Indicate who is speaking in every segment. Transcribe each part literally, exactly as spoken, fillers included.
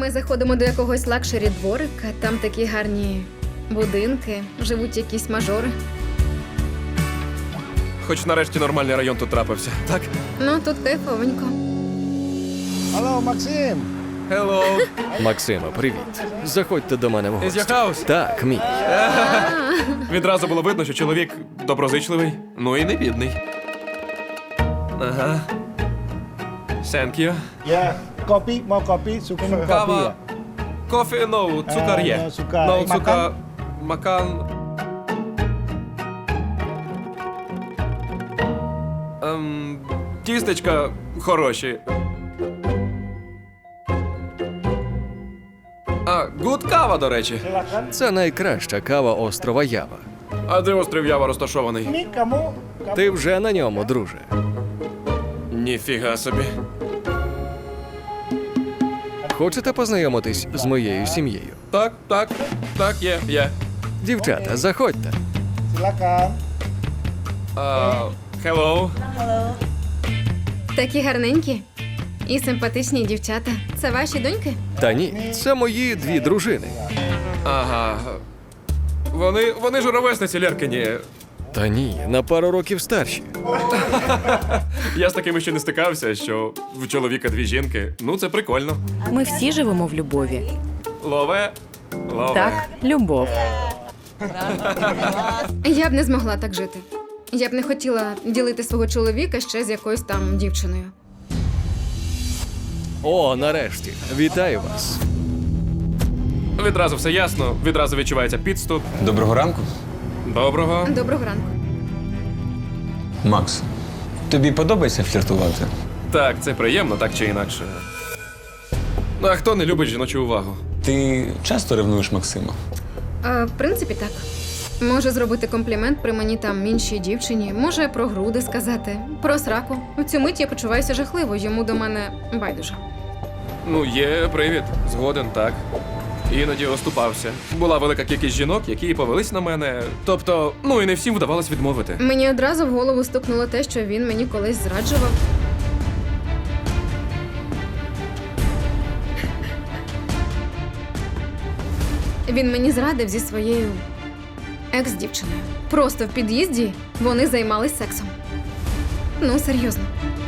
Speaker 1: Ми заходимо до якогось лакшері дворика, там такі гарні будинки, живуть якісь мажори.
Speaker 2: Хоч нарешті нормальний район тут трапився, так?
Speaker 1: Ну, тут кайфовенько.
Speaker 3: Алло, Максим!
Speaker 2: Hello.
Speaker 4: Максиме, привіт. Заходьте до мене в
Speaker 2: Is
Speaker 4: гості.
Speaker 2: your house?
Speaker 4: Так, мій.
Speaker 2: Відразу було видно, що чоловік доброзичливий, ну і не бідний. Ага. Thank you.
Speaker 3: Yeah, kopi, mau kopi, suka minum kopi
Speaker 2: Кава.
Speaker 3: ya?
Speaker 2: Кофе, ну, цукар
Speaker 3: Е,
Speaker 2: є.
Speaker 3: no, цукар.
Speaker 2: Ну,
Speaker 3: І макан?
Speaker 2: цукар. Макан. Ем, тістечка хороші. А, гуд кава, до речі.
Speaker 3: Silakan.
Speaker 4: Це найкраща кава острова Ява.
Speaker 2: А де острів Ява розташований?
Speaker 3: Ini kamu, kamu
Speaker 4: Ти вже на ньому, друже.
Speaker 2: Ніфіга собі.
Speaker 4: Хочете познайомитись з моєю сім'єю?
Speaker 2: Так, так, так, є, є.
Speaker 4: Дівчата, заходьте.
Speaker 3: silakan.
Speaker 2: А, hello.
Speaker 1: Такі гарненькі і симпатичні дівчата. Це ваші доньки?
Speaker 4: Та ні, це мої дві дружини.
Speaker 2: Ага. Вони, вони ж ровесниці Лєркині.
Speaker 4: Та ні, на пару років старші.
Speaker 2: Я з такими ще не стикався, що в чоловіка дві жінки. Ну, це прикольно.
Speaker 5: Ми всі живемо в любові.
Speaker 2: Лове. Лове.
Speaker 5: Так, любов.
Speaker 1: Я б не змогла так жити. Я б не хотіла ділити свого чоловіка ще з якоюсь там дівчиною.
Speaker 4: О, нарешті. Вітаю вас.
Speaker 2: Відразу все ясно, відразу відчувається підступ.
Speaker 6: Доброго ранку.
Speaker 2: Доброго.
Speaker 1: Доброго ранку.
Speaker 6: Макс, тобі подобається фліртувати?
Speaker 2: Так, це приємно, так чи інакше. Ну, а хто не любить жіночу увагу?
Speaker 6: Ти часто ревнуєш Максима?
Speaker 1: А, в принципі, так. Може зробити комплімент при мені там іншій дівчині, може про груди сказати, про сраку. В цю мить я почуваюся жахливо, йому до мене байдуже.
Speaker 2: Ну, є привід. Згоден, так. Іноді оступався. Була велика кількість жінок, які повелись на мене. Тобто, ну і не всім вдавалось відмовити.
Speaker 1: Мені одразу в голову стукнуло те, що він мені колись зраджував. Він мені зрадив зі своєю екс-дівчиною. Просто в під'їзді вони займались сексом. Ну, серйозно.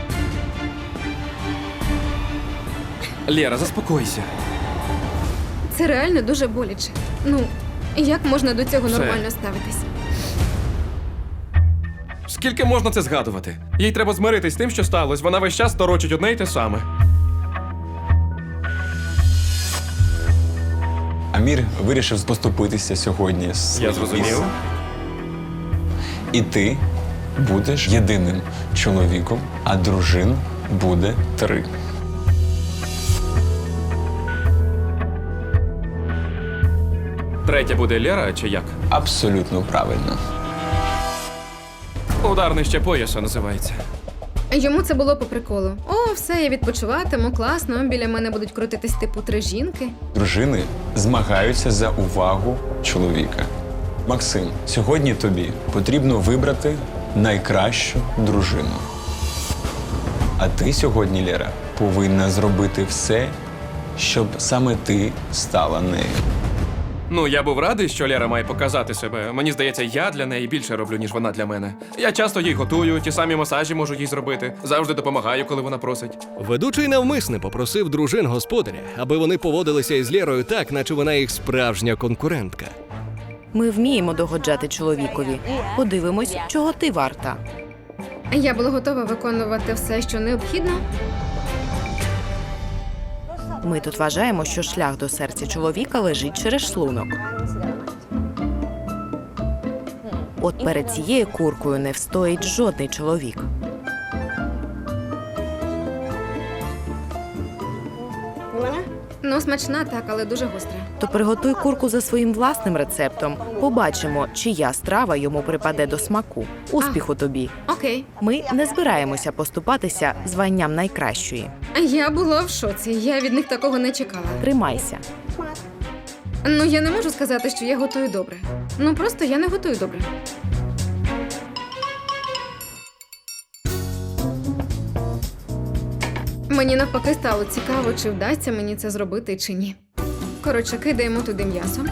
Speaker 2: Лєра, заспокойся.
Speaker 1: Це реально дуже боляче. Ну, як можна до цього
Speaker 2: Все.
Speaker 1: нормально ставитись?
Speaker 2: Скільки можна це згадувати? Їй треба змиритись з тим, що сталося. Вона весь час торочить одне й те саме.
Speaker 6: Амір вирішив поступитися сьогодні з
Speaker 2: Я
Speaker 6: своїм
Speaker 2: зрозумів.
Speaker 6: місцем. І ти будеш єдиним чоловіком, а дружин буде три.
Speaker 2: Третя буде Лєра чи як?
Speaker 6: Абсолютно правильно.
Speaker 2: Удар нижче пояса називається.
Speaker 1: Йому це було по приколу. О, все, я відпочиватиму, класно, біля мене будуть крутитись типу три жінки.
Speaker 6: Дружини змагаються за увагу чоловіка. Максим, сьогодні тобі потрібно вибрати найкращу дружину. А ти сьогодні, Лєра, повинна зробити все, щоб саме ти стала нею.
Speaker 2: Ну, я був радий, що Лєра має показати себе. Мені здається, я для неї більше роблю, ніж вона для мене. Я часто їй готую, ті самі масажі можу їй зробити. Завжди допомагаю, коли вона просить.
Speaker 4: Ведучий навмисне попросив дружин господаря, аби вони поводилися із Лєрою так, наче вона їх справжня конкурентка.
Speaker 5: Ми вміємо догоджати чоловікові. Подивимось, чого ти варта.
Speaker 1: Я була готова виконувати все, що необхідно.
Speaker 5: Ми тут вважаємо, що шлях до серця чоловіка лежить через шлунок. От перед цією куркою не встоїть жодний чоловік.
Speaker 1: Ну, смачна так, але дуже гостра.
Speaker 5: То приготуй курку за своїм власним рецептом. Побачимо, чия страва йому припаде до смаку. Успіху тобі!
Speaker 1: Окей.
Speaker 5: Ми не збираємося поступатися званням найкращої.
Speaker 1: Я була в шоці, я від них такого не чекала.
Speaker 5: Тримайся.
Speaker 1: Ну, я не можу сказати, що я готую добре. Ну, просто я не готую добре. Мені навпаки стало цікаво, чи вдасться мені це зробити, чи ні. Коротше, кидаємо туди м'ясо.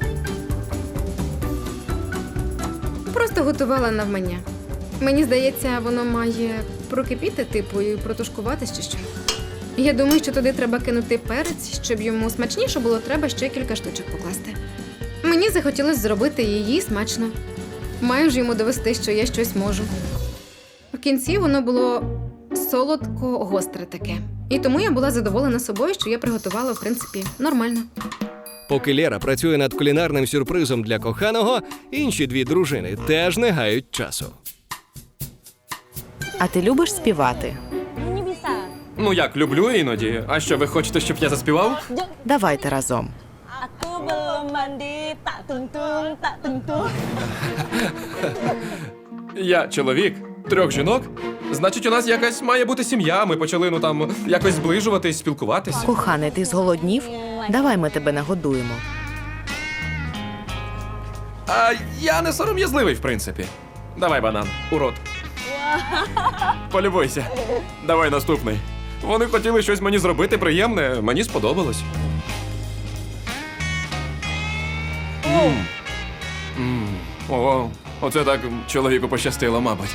Speaker 1: Просто готувала навмання. Мені здається, воно має прокипіти, типу, і протушкуватись чи що. Я думаю, що туди треба кинути перець, щоб йому смачніше було, треба ще кілька штучок покласти. Мені захотілося зробити її смачно. Маю ж йому довести, що я щось можу. В кінці воно було солодко-гостре таке. І тому я була задоволена собою, що я приготувала, в принципі, нормально.
Speaker 4: Поки Лера працює над кулінарним сюрпризом для коханого, інші дві дружини теж не гають часу.
Speaker 5: А ти любиш співати?
Speaker 2: Ну як, люблю іноді. А що, ви хочете, щоб я заспівав?
Speaker 5: Давайте разом.
Speaker 7: Aku belum mandi, tak tung-tung, tak tung-tung.
Speaker 2: Я чоловік, трьох жінок. Значить, у нас якась має бути сім'я. Ми почали, ну там, якось зближуватись, спілкуватись.
Speaker 5: Коханий, ти зголоднів? Давай ми тебе нагодуємо.
Speaker 2: А я не сором'язливий, в принципі. Давай банан, у рот. Полюбуйся. Давай наступний. Вони хотіли щось мені зробити приємне, мені сподобалось. М. М. О, оце так чоловіку пощастило, мабуть.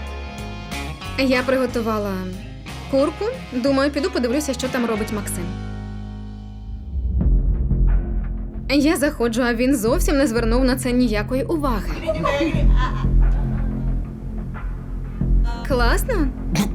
Speaker 1: Я приготувала курку. Думаю, піду подивлюся, що там робить Максим. Я заходжу, а він зовсім не звернув на це ніякої уваги. Класно?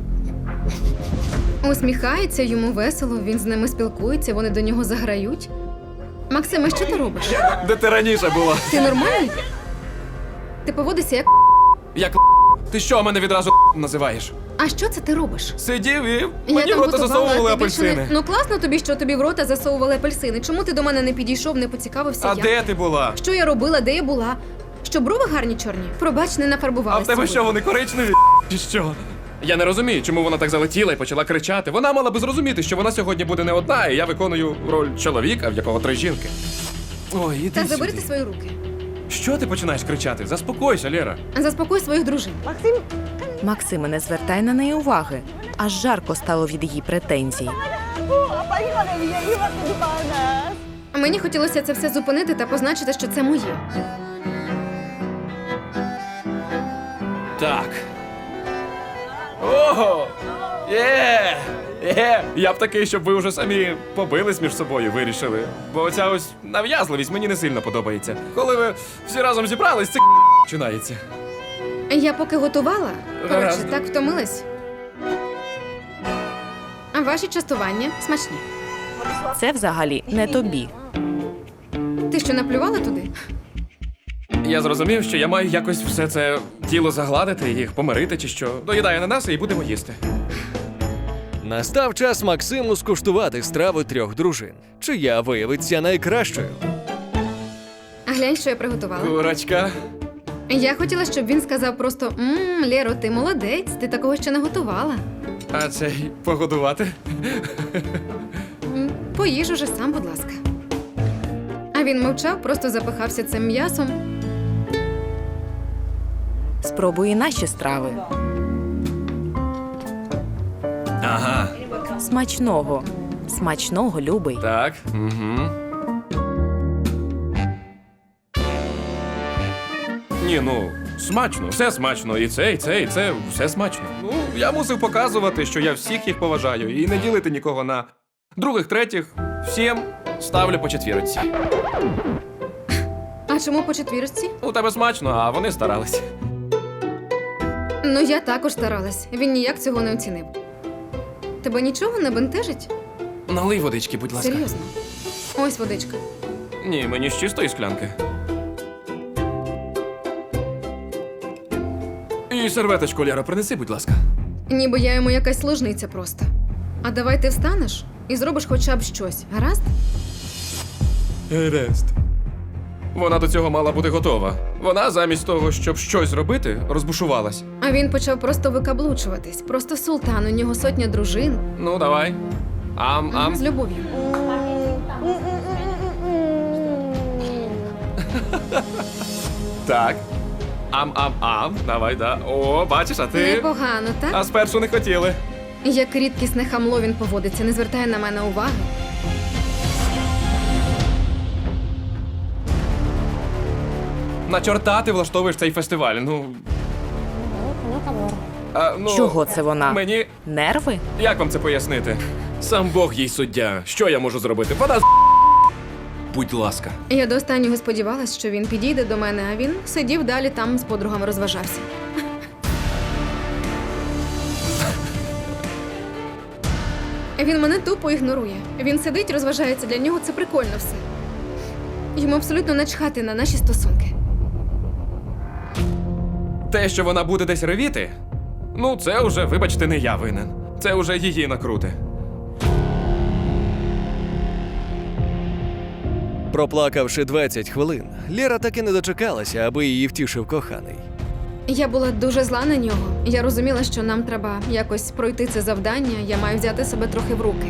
Speaker 1: Усміхається, йому весело, він з ними спілкується, вони до нього заграють. Максиме, що ти робиш?
Speaker 2: Де ти раніше була?
Speaker 1: Ти нормальний? Ти поводишся як.
Speaker 2: Як ти що мене відразу називаєш?
Speaker 1: А що це ти робиш?
Speaker 2: Сидів і
Speaker 1: Я
Speaker 2: мені в
Speaker 1: там
Speaker 2: рота
Speaker 1: готувала,
Speaker 2: засовували
Speaker 1: а ти більше не-
Speaker 2: апельсини.
Speaker 1: Ну класно тобі, що тобі в рота засовували апельсини. Чому ти до мене не підійшов, не поцікавився?
Speaker 2: А
Speaker 1: як?
Speaker 2: де ти була?
Speaker 1: Що я робила, де я була? Що брови гарні чорні? Пробач, не
Speaker 2: А
Speaker 1: нафарбувалася.
Speaker 2: в тебе що,
Speaker 1: сьогодні.
Speaker 2: вони коричневі? Чи що? Я не розумію, чому вона так залетіла і почала кричати. Вона мала би зрозуміти, що вона сьогодні буде не одна, і я виконую роль чоловіка, в якого три жінки. Ой, іди
Speaker 1: Та
Speaker 2: сюди.
Speaker 1: забери ти свої руки.
Speaker 2: Що ти починаєш кричати? Заспокойся, Лера.
Speaker 1: Заспокой своїх дружин.
Speaker 5: Максиме, не звертай на неї уваги. Аж жарко стало від її претензій.
Speaker 7: Bu, apa ini ada dia ini waktu di panas.
Speaker 1: Мені хотілося це все зупинити та позначити, що це моє.
Speaker 2: Так. Ого! Є! Є! Я б такий, щоб ви вже самі побились між собою, вирішили. Бо оця ось нав'язливість мені не сильно подобається. Коли ви всі разом зібрались, це починається.
Speaker 1: Я поки готувала, коротше,
Speaker 2: Гаразд.
Speaker 1: так втомилась. А ваші частування смачні.
Speaker 5: Це взагалі не тобі.
Speaker 1: Ти що, наплювала туди?
Speaker 2: Я зрозумів, що я маю якось все це тіло загладити, їх помирити чи що. Доїдай ананаси і будемо їсти.
Speaker 4: Настав час Максиму скуштувати страви трьох дружин, чия виявиться найкращою.
Speaker 1: А глянь, що я приготувала.
Speaker 2: Курочка.
Speaker 1: Я хотіла, щоб він сказав просто «Ммм, Лєро, ти молодець, ти такого ще не готувала».
Speaker 2: А цей погодувати?
Speaker 1: М, Поїж уже сам, будь ласка. А він мовчав, просто запихався цим м'ясом.
Speaker 5: Спробуй і наші страви.
Speaker 2: Ага.
Speaker 5: Смачного. Смачного, любий.
Speaker 2: Так. Угу. Ні, ну, смачно, все смачно. І це, і це, і це, все смачно. Ну, я мусив показувати, що я всіх їх поважаю і не ділити нікого на других, третіх. Всім ставлю по четвірочці.
Speaker 1: А чому по четвірці?
Speaker 2: У тебе смачно, а вони старались.
Speaker 1: Ну, я також старалась. Він ніяк цього не оцінив. Тебе нічого не бентежить?
Speaker 2: Налий водички, будь ласка.
Speaker 1: Серйозно? Ось водичка.
Speaker 2: Ні, мені з чистої склянки. І серветочку, Лера, принеси, будь ласка.
Speaker 1: Ніби я йому якась служниця просто. А давай ти встанеш і зробиш хоча б щось, гаразд?
Speaker 2: Гаразд. Вона до цього мала бути готова. Вона замість того, щоб щось робити, розбушувалась.
Speaker 1: А він почав просто викаблучуватись. Просто султан, у нього сотня дружин.
Speaker 2: Ну, давай. Ам, ам.
Speaker 1: З любов'ю.
Speaker 2: Так. Ам, ам, ам. Давай, да. О, бачиш, а ти.
Speaker 1: Непогано, так?
Speaker 2: А спершу не хотіли.
Speaker 1: Як рідкісне хамло він поводиться, не звертає на мене уваги.
Speaker 2: На чорта ти влаштовуєш цей фестиваль. Ну. А, ну
Speaker 5: Чого це вона?
Speaker 2: Мені.
Speaker 5: Нерви?
Speaker 2: Як вам це пояснити? Сам Бог їй суддя. Що я можу зробити? Вона з. Будь ласка.
Speaker 1: Я до останнього сподівалась, що він підійде до мене, а він сидів далі там з подругами розважався. Він мене тупо ігнорує. Він сидить, розважається, для нього це прикольно все. Йому абсолютно начхати на наші стосунки.
Speaker 2: Те, що вона буде десь ревіти, ну це вже, вибачте, не я винен. Це вже її накрути.
Speaker 4: Проплакавши двадцять хвилин, Лєра таки не дочекалася, аби її втішив коханий.
Speaker 1: Я була дуже зла на нього. Я розуміла, що нам треба якось пройти це завдання, я маю взяти себе трохи в руки.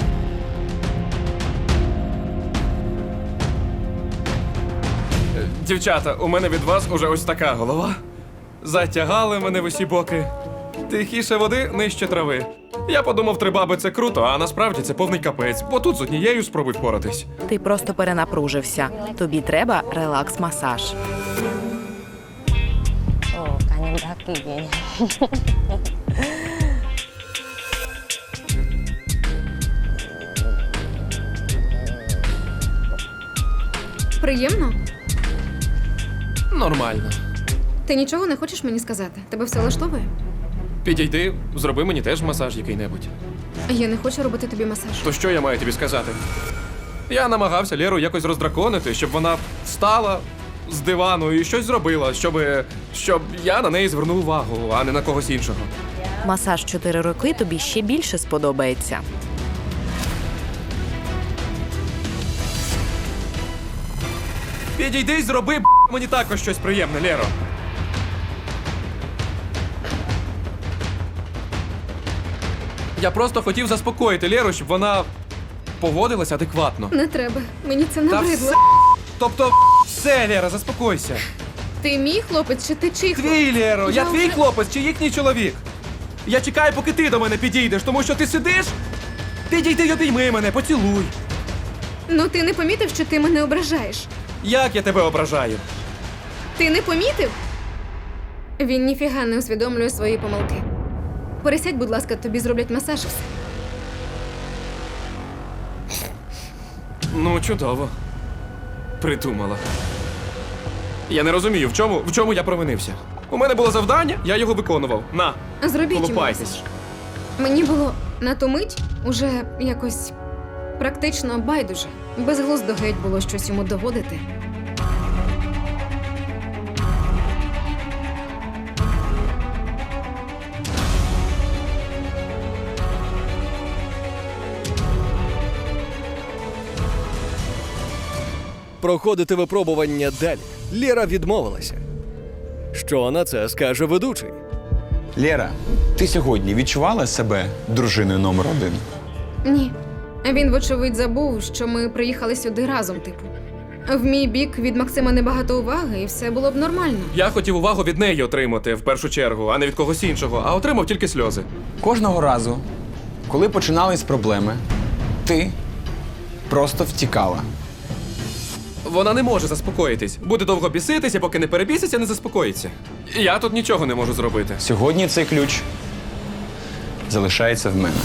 Speaker 2: Дівчата, у мене від вас уже ось така голова. Затягали мене в усі боки. Тихіше води, нижче трави. Я подумав, три баби це круто, а насправді це повний капець, бо тут з однією спробуй впоратись.
Speaker 5: Ти просто перенапружився. Тобі треба релакс-масаж.
Speaker 7: Oh, kangen kaki kayaknya.
Speaker 1: Приємно?
Speaker 2: Нормально.
Speaker 1: Ти нічого не хочеш мені сказати? Тебе все влаштовує?
Speaker 2: Підійди, зроби мені теж масаж який-небудь.
Speaker 1: Я не хочу робити тобі масаж.
Speaker 2: То що я маю тобі сказати? Я намагався Лєру якось роздраконити, щоб вона встала з дивану і щось зробила, щоб, щоб я на неї звернув увагу, а не на когось іншого.
Speaker 5: Масаж чотири роки тобі ще більше сподобається.
Speaker 2: Підійди й зроби, б**, мені також щось приємне, Лєро. Я просто хотів заспокоїти Лєру, щоб вона поводилась адекватно.
Speaker 1: Не треба. Мені це
Speaker 2: Та
Speaker 1: набридло.
Speaker 2: все, тобто, все, Лєра, заспокойся.
Speaker 1: Ти мій хлопець чи ти чий хлопець?
Speaker 2: Твій, Лєро, я
Speaker 1: Я
Speaker 2: твій
Speaker 1: вже-
Speaker 2: хлопець чи їхній чоловік? Я чекаю, поки ти до мене підійдеш, тому що ти сидиш, підійди й обійми мене, поцілуй.
Speaker 1: Ну ти не помітив, що ти мене ображаєш?
Speaker 2: Як я тебе ображаю?
Speaker 1: Ти не помітив? Він ніфіга не усвідомлює свої помилки. Пересядь, будь ласка, тобі зроблять масаж і все.
Speaker 2: Ну, чудово. Придумала. Я не розумію, в чому, в чому я провинився. У мене було завдання, я його виконував. На,
Speaker 1: Зробіть йому
Speaker 2: колупайтесь.
Speaker 1: масаж. Мені було на ту мить уже якось практично байдуже. Безглуздо геть було щось йому доводити.
Speaker 4: Проходити випробування далі Лєра відмовилася. Що на це скаже ведучий?
Speaker 6: Лєра, ти сьогодні відчувала себе дружиною номер один?
Speaker 1: Ні. Він, вочевидь, забув, що ми приїхали сюди разом, типу. В мій бік від Максима небагато уваги, і все було б нормально.
Speaker 2: Я хотів увагу від неї отримати в першу чергу, а не від когось іншого, а отримав тільки сльози.
Speaker 6: Кожного разу, коли починались проблеми, ти просто втікала.
Speaker 2: Вона не може заспокоїтись. Буде довго біситися, поки не перебіситься, не заспокоїться. І я тут нічого не можу зробити.
Speaker 6: Сьогодні цей ключ залишається в мене.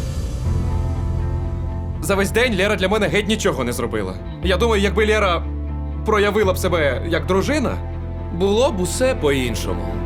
Speaker 2: За весь день Лєра для мене геть нічого не зробила. Я думаю, якби Лєра проявила б себе як дружина, було б усе по-іншому.